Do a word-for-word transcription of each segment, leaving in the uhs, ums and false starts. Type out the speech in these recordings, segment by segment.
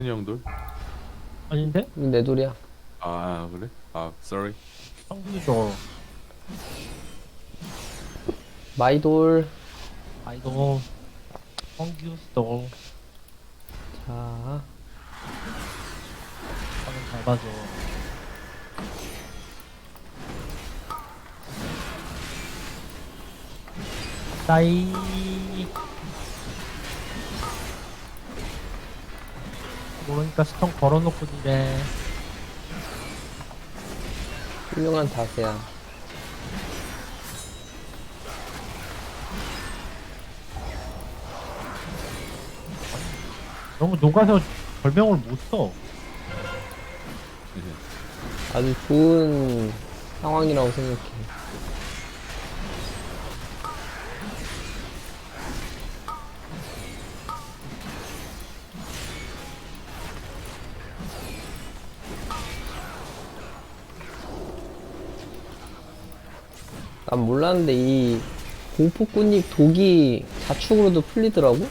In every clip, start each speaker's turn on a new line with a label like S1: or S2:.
S1: 형들?
S2: 아닌데?
S3: 내 돌이야.
S1: 아 그래? 아 sorry.
S2: 성분이죠.
S3: 마이돌.
S2: 아이고, 성규스도
S3: 자,
S2: 방금 잘 봐줘. 따이. 모르니까 스톤 걸어놓고 이래.
S3: 훌륭한 다세야.
S2: 너무 녹아서 별명을 못 써.
S3: 아주 좋은 상황이라고 생각해. 난 몰랐는데 이 공포꽃잎 독이 자축으로도 풀리더라고?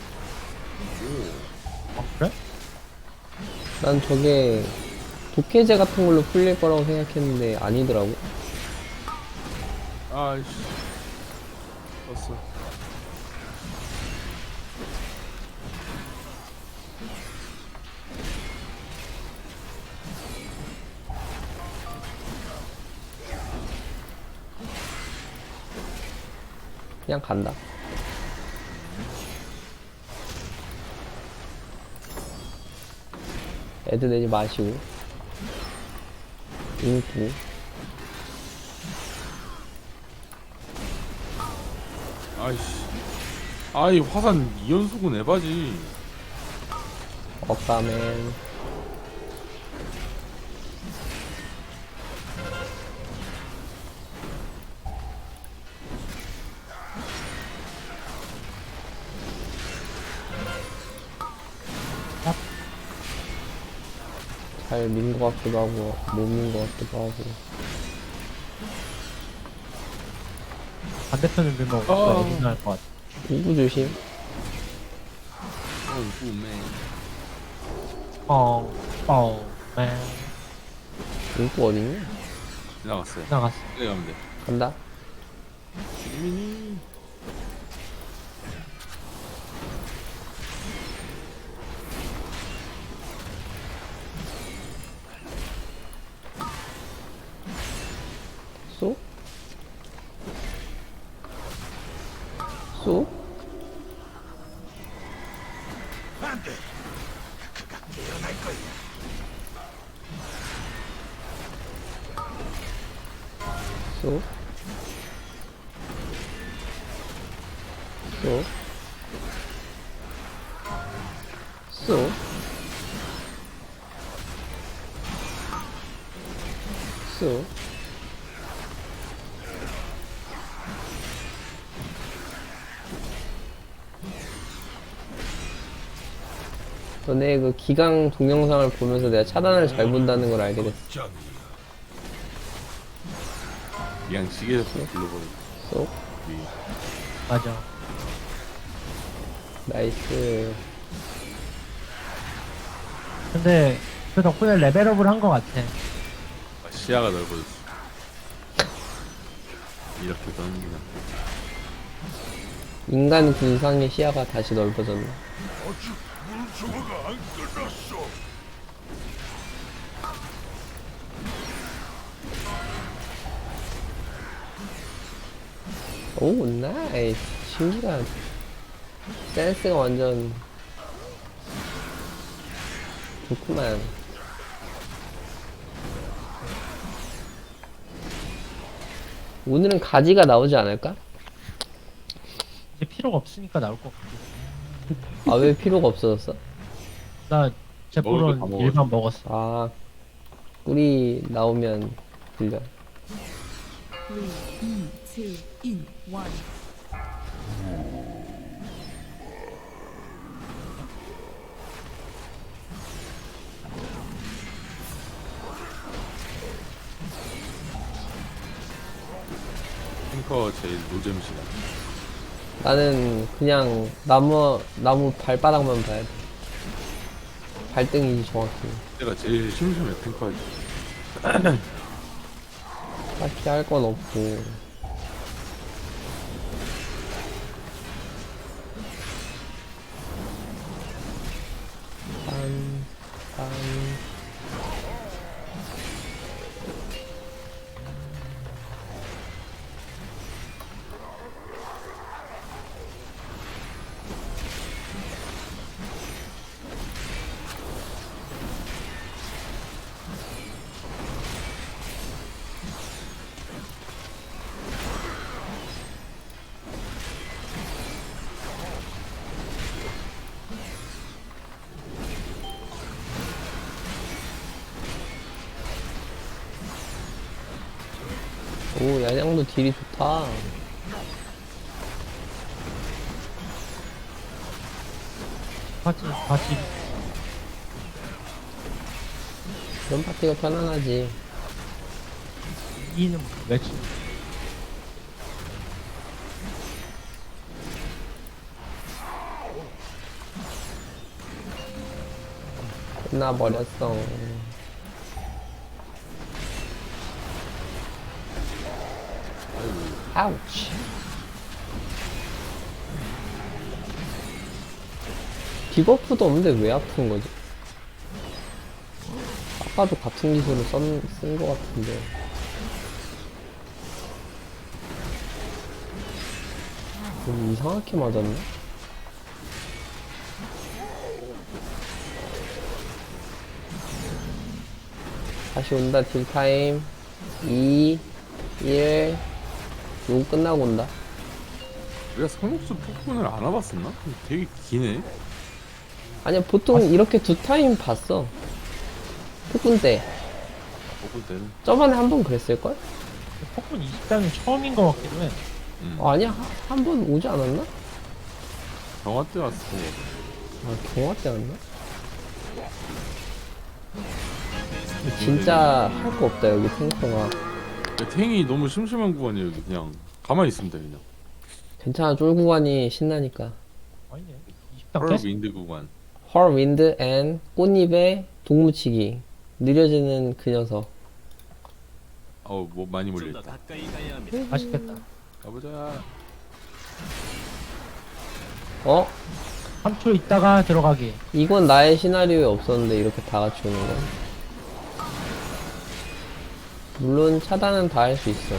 S2: 아, 그래?
S3: 난 저게 독해제 같은 걸로 풀릴 거라고 생각했는데 아니더라고.
S1: 아이씨. 떴어.
S3: 그냥 간다. 애드 내지 마시고. 인기.
S1: 아이씨. 아이 화산 이 연속은 에바지.
S3: 억가맨. 잘 민 것 같기도 하고, 못 민 것 같기도 하고.
S2: 반대편을 밀면
S1: 어.
S2: 오빠가 힘날 것 같아.
S3: 우구 조심.
S1: 어우 구맨.
S2: 어, 어, 맨.
S3: 우구 어딨냐?
S1: 지나갔어요.
S2: 나갔어.
S1: 여기 가면 돼.
S3: 간다.
S1: 미니.
S3: 쏘? 쏘? 쏘? 쏘? 쏘? 쏘? 너네 그 기강 동영상을 보면서 내가 차단을 잘 본다는 걸 알게 됐어.
S1: 그냥 시계에서 불러버려.
S3: 쏘?
S2: 맞아.
S3: 나이스.
S2: 근데 그 덕분에 레벨업을 한 것 같아.
S1: 아, 시야가 넓어졌어. 이렇게 던지나.
S3: 인간 군상의 시야가 다시 넓어졌네. 오, 나이스. 신기한. 센스가 완전 좋구만. 오늘은 가지가 나오지 않을까?
S2: 이제 필요가 없으니까 나올 것 같아.
S3: 아, 왜 필요가 없어졌어?
S2: 나
S1: 먹을
S2: 제포론
S1: 거다 먹었어.
S2: 일반 먹었어.
S3: 아, 꿀이 나오면 불려.
S4: three, two, one.
S1: 탱커 제일 노잼 시간.
S3: 나는 그냥 나무, 나무 발바닥만 봐야 돼. 발등이지 정확히.
S1: 내가 제일 심심해 탱커할 때.
S3: 딱히 할 건 없고. 빰, 빰. 오, 야장도 딜이 좋다.
S2: 파티 파티
S3: 이런 파티가 편안하지.
S2: 이는 매치
S3: 끝나버렸어. 아우치. 디버프도 없는데 왜 아픈 거지? 아까도 같은 기술을 쓴 거 같은데. 좀 이상하게 맞았네? 다시 온다, 딜타임. 이, 일, 요거 끝나고 온다.
S1: 우리가 성역수 폭군을 안 와봤었나? 되게 기네.
S3: 아니야, 보통 이렇게 두 타임 봤어. 폭군 때.
S1: 폭군 때는.
S3: 저번에 한 번 그랬을걸?
S2: 폭군 이십 단은 처음인 것 같기도 해.
S1: 음.
S3: 어, 아니야, 한 번 오지 않았나?
S1: 정화 때 왔어.
S3: 아, 경화 때 왔나? 진짜 할 거 없다, 여기 탱커가.
S1: 탱이 너무 심심한 구간이에요. 여기 그냥 가만히 있으면 돼 그냥.
S3: 괜찮아, 쫄 구간이 신나니까.
S2: 아니네. 이십 단
S1: 헐
S2: 깼어.
S1: 윈드 구간.
S3: 헐 윈드 앤 꽃잎에 동무치기. 느려지는 그 녀석.
S1: 어우 뭐 많이 몰려있다.
S2: 맛있겠다.
S1: 가보자.
S3: 어?
S2: 삼 초 있다가 들어가기.
S3: 이건 나의 시나리오에 없었는데 이렇게 다 같이 오는 건. 물론 차단은 다 할 수 있어.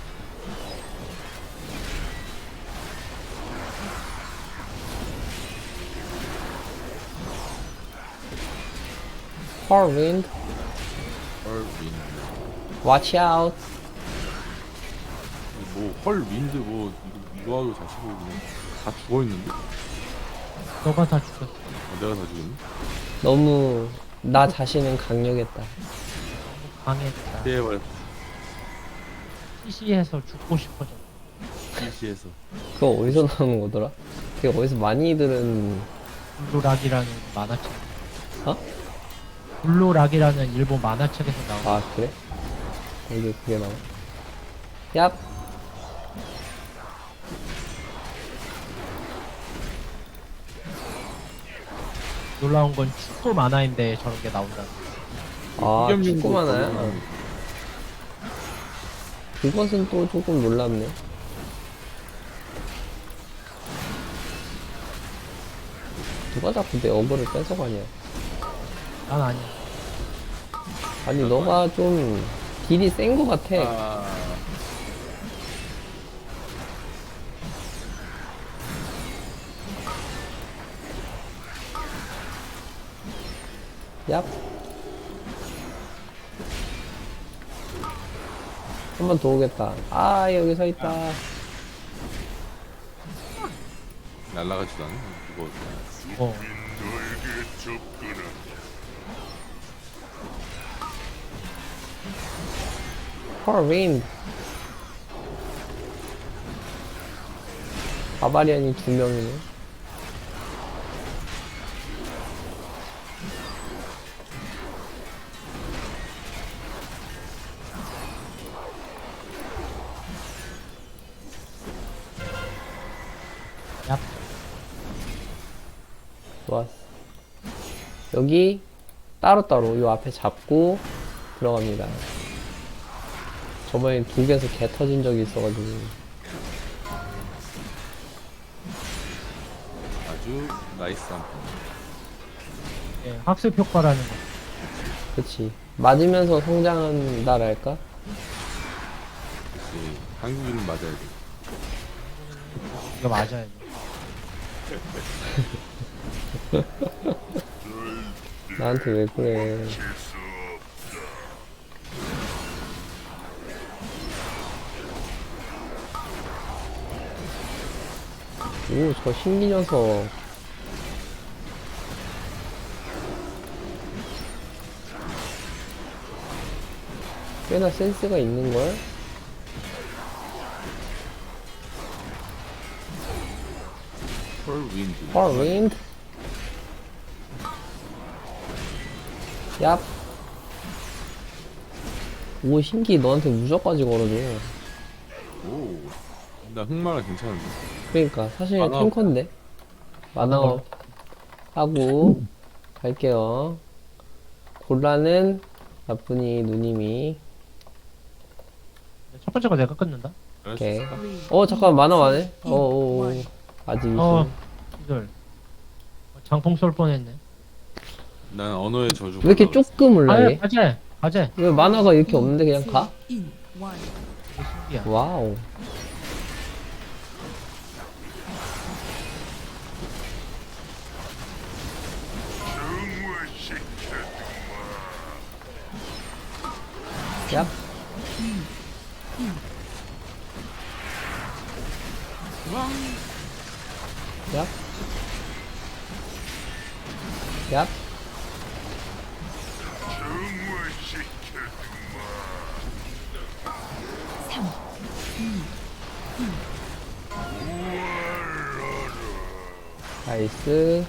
S3: 헐 윈드,
S1: 헐 윈드.
S3: watch out.
S1: 뭐헐 윈드 뭐 이거, 이거 하고 자시고 그냥 다 죽어있는데? 어,
S2: 너가 다 죽였어.
S1: 내가 다 죽였네?
S3: 너무 나 자신은 강력했다.
S2: 강했다.
S1: 제발
S2: 피시에서 죽고 싶어져.
S1: 피시에서.
S3: 그거 어디서 나오는 거더라? 그게 어디서 많이 들은.
S2: 블루락이라는 만화책.
S3: 어?
S2: 블루락이라는 일본 만화책에서 나온.
S3: 아 그래? 여기 그게 나와. 얍.
S2: 놀라운 건 축구 만화인데 저런 게 나온다.
S3: 아
S1: 이겸용도
S3: 축구 만화야?
S1: 거기.
S3: 그것은 또 조금 놀랍네. 누가 자꾸 내 어그를 뺏어가냐.
S2: 난 아니야.
S3: 아니 너가 좀 딜이 센 거 같아.
S1: 아,
S3: 얍. 한 번 더 오겠다. 아 여기 서 있다.
S1: 날라가지도 않아. 이거
S2: 어.
S3: 헐 윈드. 바바리안이 두 명이네.
S2: 야,
S3: 좋았어. 여기 따로따로 요 앞에 잡고 들어갑니다. 저번에 독에서 개 터진 적이 있어가지고.
S1: 아주 나이스한 편.
S2: 예, 학습 효과라는 거.
S3: 그치. 맞으면서 성장한다랄까?
S1: 그치. 한국인은 맞아야 돼.
S2: 이거 맞아야 돼.
S3: 나한테 왜 그래. 오, 저 신기 녀석. 꽤나 센스가 있는걸?
S1: 펄 윈드.
S3: 헐, 윈드. 얍. 오, 신기 너한테 무적까지 걸어줘.
S1: 오. 나 흑마가 괜찮은데.
S3: 그러니까, 사실
S1: 만화
S3: 탱커인데. 만화업 하고, 갈게요. 골라는 나쁜이 누님이.
S2: 첫 번째 거 내가 끊는다.
S3: 오케이.
S1: 알았어.
S4: three,
S3: 어, 잠깐, 만화 와네? 어, 어, 어.
S4: one.
S3: 아직
S2: 어,
S3: 있어.
S2: 이들. 장풍 쏠 뻔했네.
S1: 난 언어의 저주.
S3: 왜 이렇게 조금 올라,
S2: 가재,
S3: 얘?
S2: 가재, 가재.
S3: 왜 만화가 이렇게 없는데 그냥 가?
S4: in one.
S2: 이게 신기야.
S3: 와우. 야, 야, 야. 나이스.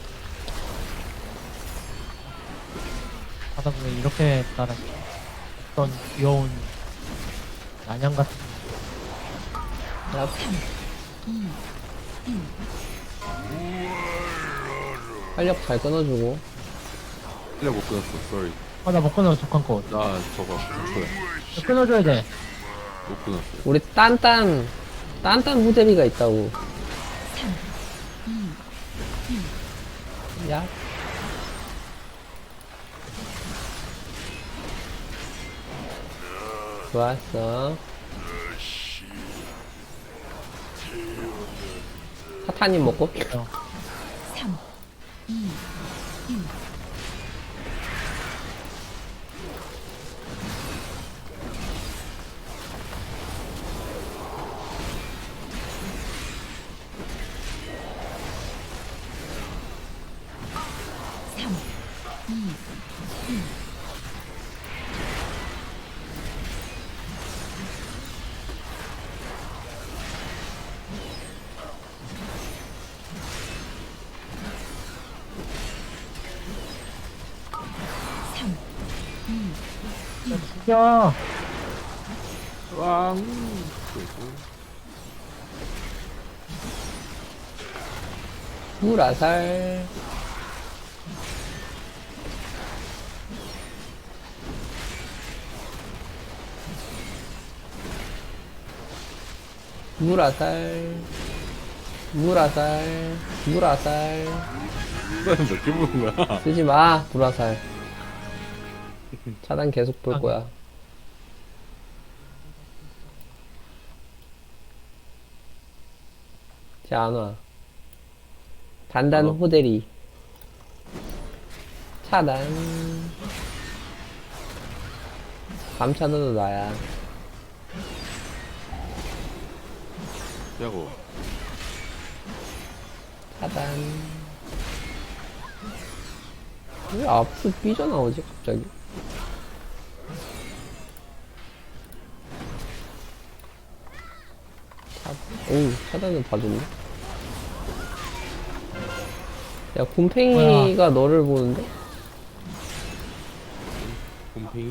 S2: 하다 보면 이렇게 따라 어떤 귀여운 난양 같은
S3: 야, 활력 잘 끊어주고.
S1: 틀려 못 끊었어. 쏘리.
S2: 아, 나 못 끊어, 독한 거.
S1: 나 저거 저거야.
S2: 끊어줘야 돼.
S1: 못 끊었어.
S3: 우리 딴딴, 딴딴 후대비가 있다고. 야. 좋았어. 사탄님 먹고.
S2: 어.
S4: 삼, 이, 일. 삼, 이, 삼,
S2: 야,
S1: 왕.
S3: 물아살. 물아살. 물아살. 물아살.
S1: 몇개 보는 거야?
S3: 쓰지 마, 불화살. 차단 계속 볼 거야. 자, 안 와. 단단
S1: 안 와.
S3: 호대리. 차단. 밤 차단도 나야.
S1: 야고.
S3: 차단. 왜 앞으로 삐져나오지, 갑자기? 차, 오, 차단을 봐줬네. 야, 곰팽이가 너를 보는데?
S1: 곰팽이?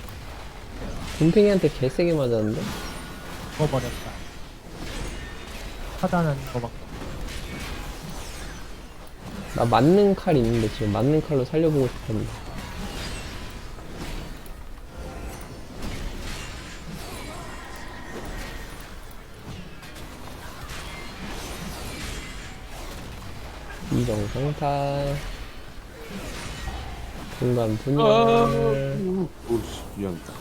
S3: 곰팽이한테 개세게 맞았는데?
S2: 죽어버렸다. 차단하는 거밖에.
S3: 나 맞는 칼 있는데 지금 맞는 칼로 살려보고 싶었는데. 이정상탈. 중간 분열.
S1: 오씨 미안하다.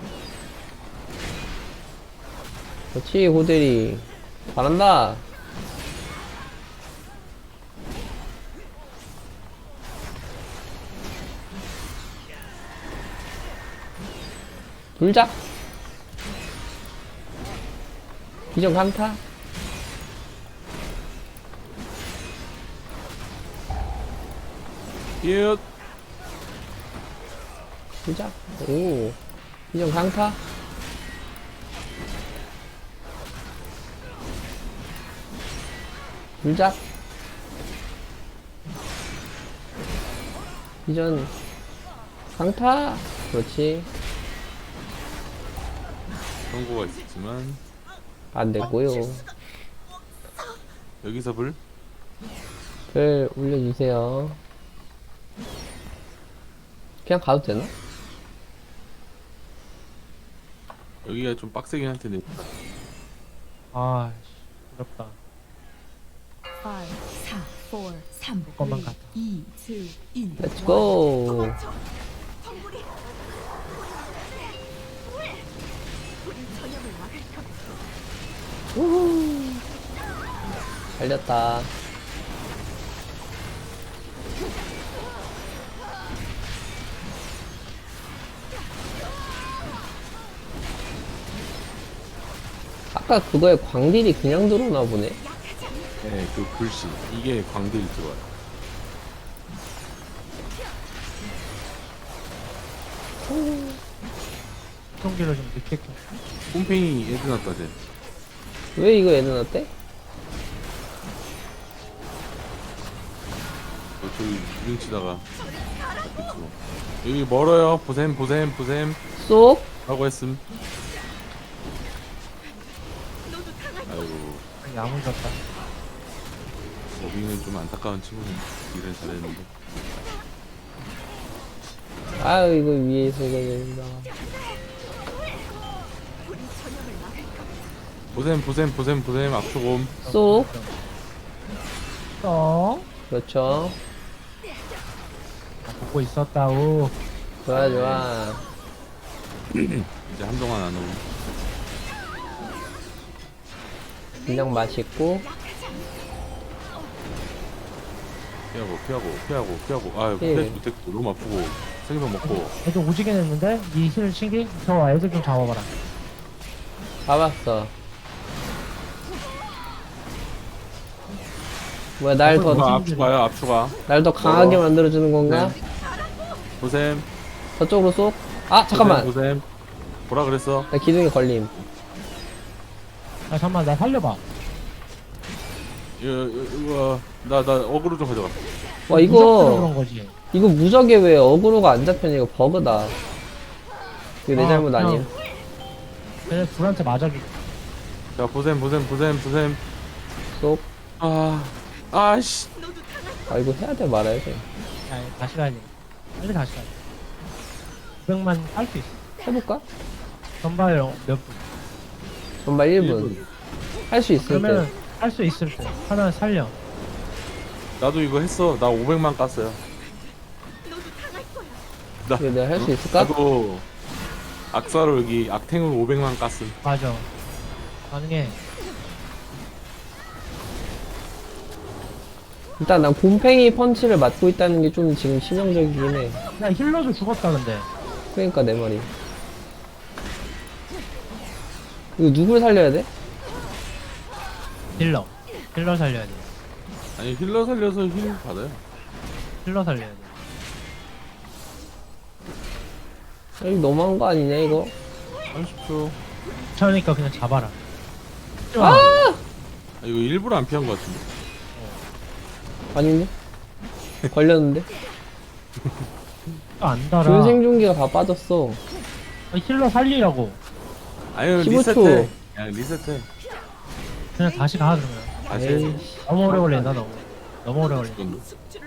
S3: 그렇지, 고대리. 잘한다. 불작. 비정 강타.
S1: 예.
S3: 불작. 오. 비정 강타. 불작. 비전 강타. 그렇지.
S1: 경고가 있었지만
S3: 안 됐고요.
S1: 여기서 불.
S3: 글 올려주세요. 그냥 가도 되나?
S1: 여기가 좀 빡세긴 할 텐데.
S2: 아, 어렵다.
S4: five, 사, four, 삼,
S2: 것만 같아.
S4: 이, 일.
S3: Let's go. 우후. 달렸다. 아까 그거에 광딜이 그냥 들어오나 보네.
S1: 네, 그 불씨 이게 광들이 들어와요.
S2: 총기를 좀 늦게 켜.
S1: 꼼팽이 애드 났다 쟤.
S3: 왜 이거 애는 어때?
S1: 어, 저기 유등 치다가 잡혔지. 여기 멀어요. 보셈 보셈 보셈
S3: 쏙.
S1: 라고 했음. 아이고
S2: 야무졌다.
S1: 어빙은 좀 안타까운 친구네. 일을 잘했는데.
S3: 아유, 이거 위에서 이거 된다.
S1: 보셈 보셈 보셈 보셈 압축옴.
S3: 쏙.
S2: 어?
S3: 그렇죠.
S2: 아, 보고 있었다우.
S3: 좋아, 좋아.
S1: 이제 한동안 안 오고.
S3: 그냥 맛있고.
S1: 피하고 피하고 피하고 피하고. 아유
S3: 예.
S1: 피하지 못했고 너무 아프고 생선 먹고.
S2: 애들 오지게 됐는데? 이 힐 신기? 저 애들 좀 잡아봐라.
S3: 잡았어. 뭐야, 날 더,
S1: 아, 압축가요 압축가.
S3: 날 더 강하게
S1: 어.
S3: 만들어주는 건가?
S1: 네. 보셈.
S3: 저쪽으로 쏙. 아, 잠깐만.
S1: 보셈. 뭐라 그랬어?
S3: 나 기둥에 걸림.
S2: 아, 잠깐만, 나 살려봐.
S1: 이거 이거 나나 어그로 좀 가져가.
S3: 와,
S2: 무섭더라 그런
S3: 이거,
S2: 거지.
S3: 이거 무적에 왜 어그로가 안 잡혔냐. 이거 버그다. 이거 내
S2: 아,
S3: 잘못
S2: 그냥
S3: 아니야.
S2: 걔네 둘한테 맞아기.
S1: 자 보셈 보셈 보셈 보셈.
S3: 쏙.
S1: 아 아씨.
S3: 아, 이거 해야 돼, 말아야 돼.
S2: 야, 다시 가야 돼. 빨리 다시 가야 돼. 구백만 할 수 있어.
S3: 해볼까?
S2: 전발 몇 분.
S3: 전발 일 분. 할 수 있을
S2: 그러면
S3: 때.
S2: 할 수 있을 때 하나 살려.
S1: 나도 이거 했어. 나 오백만 깠어요. 나
S3: 이거 내가 할 수
S1: 어?
S3: 있을까?
S1: 나도 악사로 여기 악탱으로 오백만 깠음.
S2: 맞아. 가능해.
S3: 일단 난 곰팽이 펀치를 맞고 있다는 게 좀 지금 치명적이긴 해.
S2: 야, 힐러도 죽었다 근데.
S3: 그러니까 내 말이. 이거 누굴 살려야 돼?
S2: 힐러. 힐러 살려야 돼.
S1: 아니 힐러 살려서 힐 받아요.
S2: 힐러 살려야 돼.
S3: 야, 이거 너무한 거 아니냐 이거?
S1: 삼십 초.
S2: 그러니까 그냥 잡아라.
S3: 아!
S1: 아, 이거 일부러 안 피한 것 같은데.
S3: 아닌데? 걸렸는데?
S2: 안 달아.
S3: 준 생존기가 다 빠졌어.
S2: 아, 힐러 살리라고.
S1: 아유
S3: 십오 초.
S1: 리셋해. 그냥 리셋해.
S2: 그냥 다시 가 그러면.
S1: 다시 해.
S3: 에이씨.
S2: 너무 오래 걸린다 너무. 너무 오래 걸린다.
S1: 이건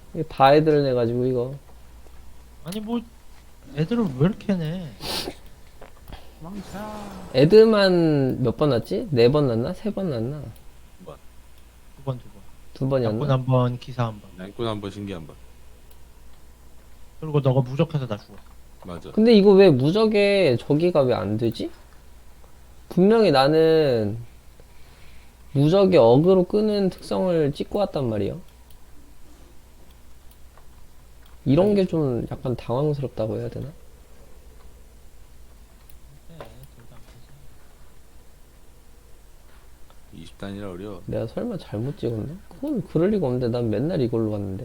S3: 이거 다 애들 내가지고 이거.
S2: 아니 뭐 애들을 왜 이렇게 내?
S1: 망차.
S3: 애들만 몇 번 났지? 네 번 났나? 세 번 났나?
S2: 두 번, 두 번.
S3: 두
S2: 양꾼
S3: 번이었나?
S2: 한 번, 기사 한 번.
S1: 양꾼 한번 신기 한번.
S2: 그리고 너가 무적해서 나 죽어.
S1: 맞아.
S3: 근데 이거 왜 무적에 저기가 왜 안 되지? 분명히 나는 무적에 어그로 끄는 특성을 찍고 왔단 말이야. 이런 게 좀 약간 당황스럽다고 해야 되나?
S2: 네, 둘다 안 되지.
S1: 이십 단이라 어려워.
S3: 내가 설마 잘못 찍었나? 그건 그럴 리가 없는데 난 맨날 이걸로 갔는데.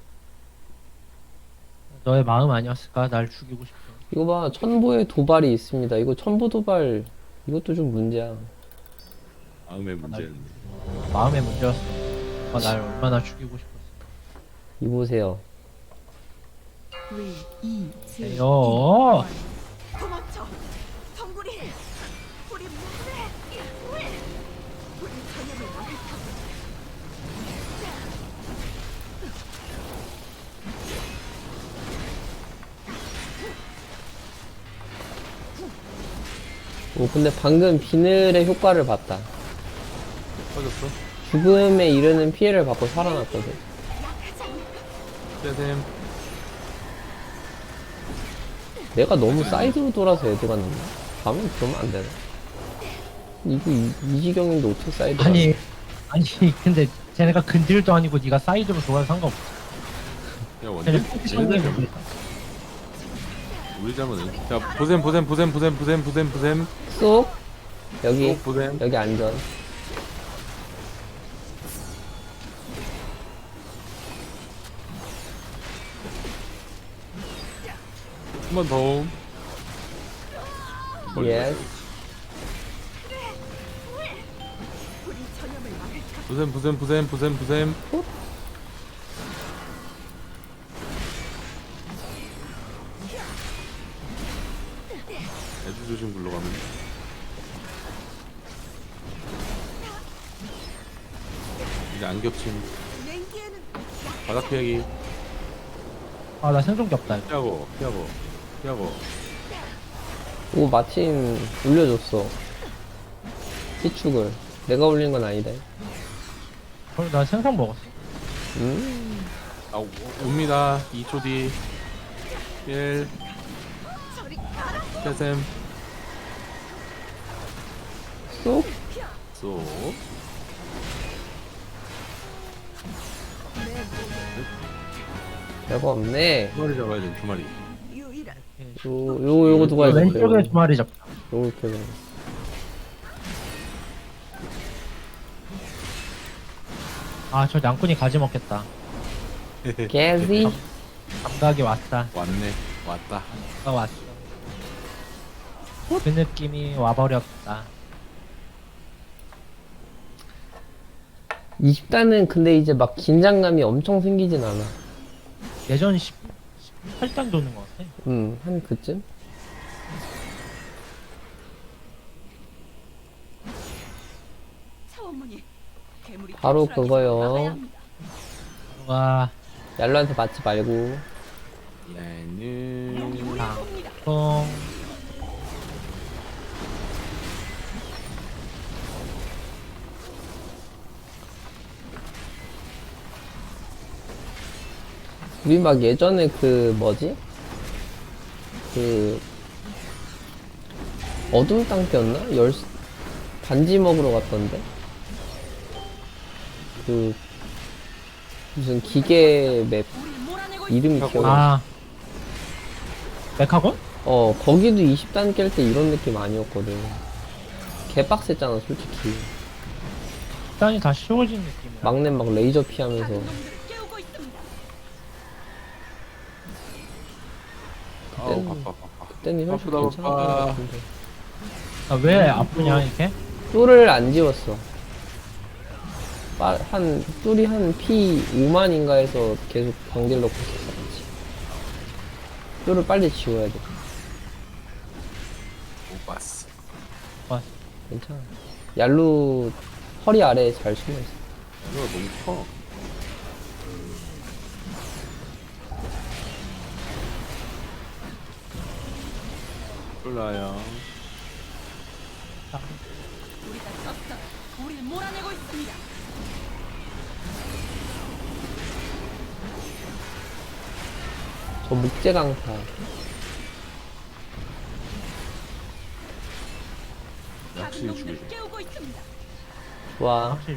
S2: 너의 마음 아니었을까? 날 죽이고 싶어.
S3: 이거 봐, 천보의 도발이 있습니다. 이거 천보 도발, 이것도 좀 문제야.
S1: 마음의 문제는.
S2: 마음의 문제였어. 너가 날 얼마나 죽이고 싶었어.
S3: 이 보세요.
S4: three, 이, two,
S2: 에요.
S5: 도망쳐! 성구리! 우리 뭐해! 우리 전염을 막을까?
S3: 오, 근데 방금 비늘의 효과를 봤다.
S1: 터졌어?
S3: 죽음에 이르는 피해를 받고 살아났거든.
S1: 떼셈.
S3: 내가 너무 사이드로 돌아서 애들가 났나? 가면 그러면 안 되나? 이거 이, 이 지경인데 어떻게 사이드가
S2: 아니, 아니 근데 쟤네가 근딜도 아니고 네가 사이드로 돌아도 상관없어.
S1: 야,
S2: 쟤네
S1: 원딜?
S2: 포지션이
S1: 얘네들
S2: 그래.
S1: 우리 잘못은. 자, 보셈, 보셈, 보셈, 보셈, 보셈, 보셈, 보셈.
S3: 쏙! 여기,
S1: 쏙 보셈.
S3: 여기 안전.
S1: 한 번 더. 멀리
S3: 예스.
S5: 우리 전염을 막을까?
S1: 보셈, 보셈, 보셈, 보셈, 보셈. 애들 조심 굴러가면. 이제 안 겹침.
S5: 냉기에는
S1: 바닥 피하기.
S2: 아, 나 생존기 없다. 이거.
S1: 피하고, 피하고, 피하고.
S3: 오, 마침 올려줬어. 희축을. 내가 올린 건 아니다.
S2: 그럼 나 생선 먹었어.
S3: 음,
S1: 아, 오- 옵니다. 이 초 뒤. 일. 세셈.
S3: 쏙!
S1: 쏘.
S3: 별거 없네.
S1: 두 마리 잡아야 돼, 두 마리.
S5: 유일한
S3: 요, 요, 요거 누가 해줬어요?
S2: 왼쪽에 두 마리 잡자.
S3: 요거 이렇게 해서.
S2: 아, 저 양꾼이 가지 먹겠다.
S3: 개지?
S2: 감각이 왔다.
S1: 왔네. 왔다.
S2: 가 왔어. 그 느낌이 와버렸다.
S3: 이십 단은 근데 이제 막 긴장감이 엄청 생기진 않아.
S2: 예전 십, 십팔 단 도는 것 같아.
S3: 음, 한 그쯤?
S5: 차원문이 괴물이
S3: 바로
S5: 탈출하기
S3: 그거요.
S5: 전에 막아야 합니다.
S2: 와,
S3: 얄로한테 맞지 말고.
S1: 얘는.
S2: 아, 통.
S3: 우리 막 예전에 그 뭐지? 그 어둠 땅 때였나? 열 반지 먹으러 갔던데? 그 무슨 기계 맵 이름이 기억이 안 나.
S2: 아, 메카곤?
S3: 어 거기도 이십 단 깰 때 이런 느낌 아니었거든. 개빡셌잖아 솔직히.
S2: 단이 다 쉬워진 느낌이야.
S3: 막내 막 레이저 피하면서.
S5: 다른 놈들을 깨우고 있습니다.
S1: 아우, 바빠, 바빠.
S3: 그때는 훨씬
S1: 바쁘다,
S3: 괜찮았던 것
S1: 바빠.
S3: 같은데.
S2: 아, 왜 아프냐, 이렇게?
S3: 뚫을 안 지웠어. 빠- 한 뚫이 한 피 오만인가 해서 계속 광딜 넣고 있었어. 같이. 뚫을 빨리 지워야 돼.
S1: 못 봤어.
S2: 와,
S3: 괜찮아. 얄루 허리 아래에 잘 숨어 있어.
S1: 이거 너무 커. 몰라요.
S5: 우리가 졌어. 우리를 몰아내고 있습니다.
S3: 저 목재 강타.
S1: 확실히
S5: 작은
S1: 죽이죠.
S5: 놈들을 깨우고 있습니다.
S3: 와,
S2: 확실히.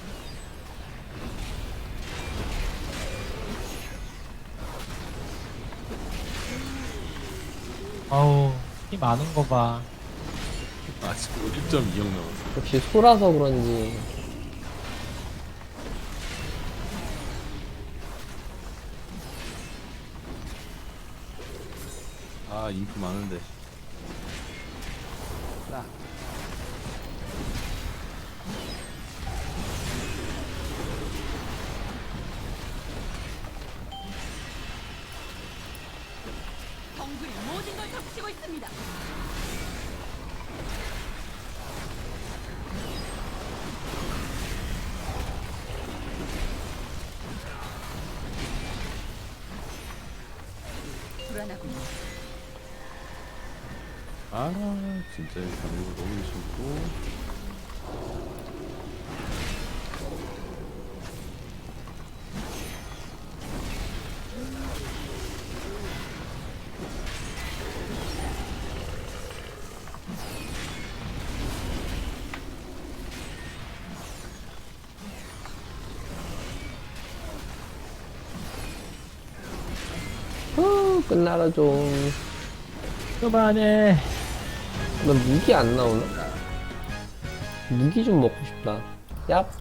S2: 아우, 피 많은 거 봐.
S1: 아직 일 점 이억 남았어.
S3: 역시 소라서 그런지.
S1: 아 인프 많은데. 딱.
S5: 덩굴이 모든 걸 덮치고 있습니다. 불안하군요.
S1: 아 진짜 이 반응이 너무 싫고.
S3: 후, 끝나라 좀.
S2: 그만해.
S3: 나 무기 안 나오나? 무기 좀 먹고 싶다. 얍.